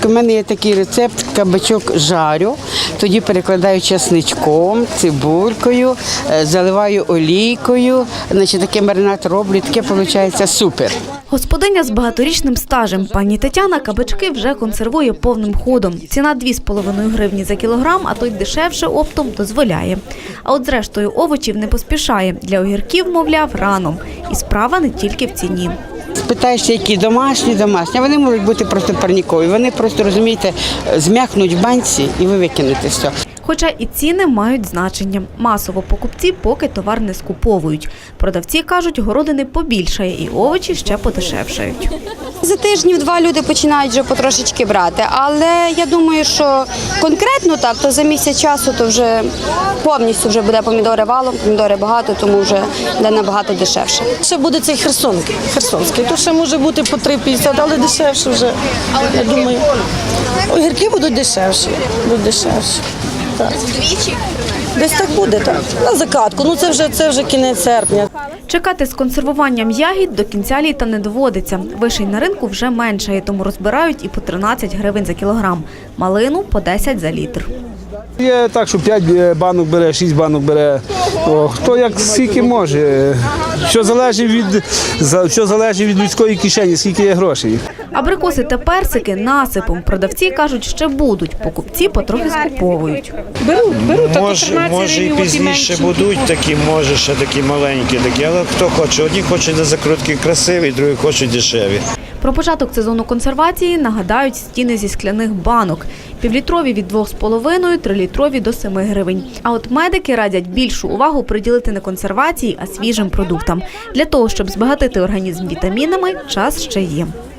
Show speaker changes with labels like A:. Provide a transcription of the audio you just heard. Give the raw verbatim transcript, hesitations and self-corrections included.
A: У мене є такий рецепт, кабачок жарю, тоді перекладаю чесничком, цибулькою, заливаю олійкою, значить такий маринад роблю, таке виходить супер.
B: Господиня з багаторічним стажем пані Тетяна кабачки вже консервує повним ходом. Ціна дві з половиною гривні за кілограм, а то й дешевше оптом дозволяє. А от зрештою овочів не поспішає. Для огірків, мовляв, рано. І справа не тільки в ціні.
A: Спитаєшся, які домашні, домашні, а вони можуть бути просто парнікові. Вони просто, розумієте, зм'якнуть в банці і ви викинете все.
B: Хоча і ціни мають значення. Масово покупці поки товар не скуповують. Продавці кажуть, городини побільшає і овочі ще подешевшають.
C: За тижнів-два люди починають вже потрошечки брати, але я думаю, що конкретно так, то за місяць часу то вже повністю вже буде помідори валом, помідори багато, тому вже буде набагато дешевше.
D: Ще буде цей херсонський, херсонський, то ще може бути по три п'ятдесят, але дешевше вже, я думаю. Огірки будуть дешевші, будуть дешевші. Так. Десь так буде, так. На закатку, ну це вже, це вже кінець серпня.
B: Чекати з консервуванням ягід до кінця літа не доводиться. Вишень на ринку вже меншає, тому розбирають і по тринадцять гривень за кілограм. Малину – по десять за літр.
E: Є так, що п'ять банок бере, шість банок бере. О, хто як скільки може. Що залежить від, що залежить від людської кишені, скільки є грошей.
B: Абрикоси та персики насипом. Продавці кажуть, ще будуть. Покупці потрохи скуповують.
D: Беруть, беруть.
F: Може, може і пізніше будуть такі, може ще такі маленькі, такі, але хто хоче. Одні хочуть на закрутки красиві, другі хочуть дешеві.
B: Про початок сезону консервації нагадають стіни зі скляних банок. Півлітрові від двох з половиною, трилітрові до семи гривень. А от медики радять більшу увагу приділити не консервації, а свіжим продуктам. Для того, щоб збагатити організм вітамінами, час ще є.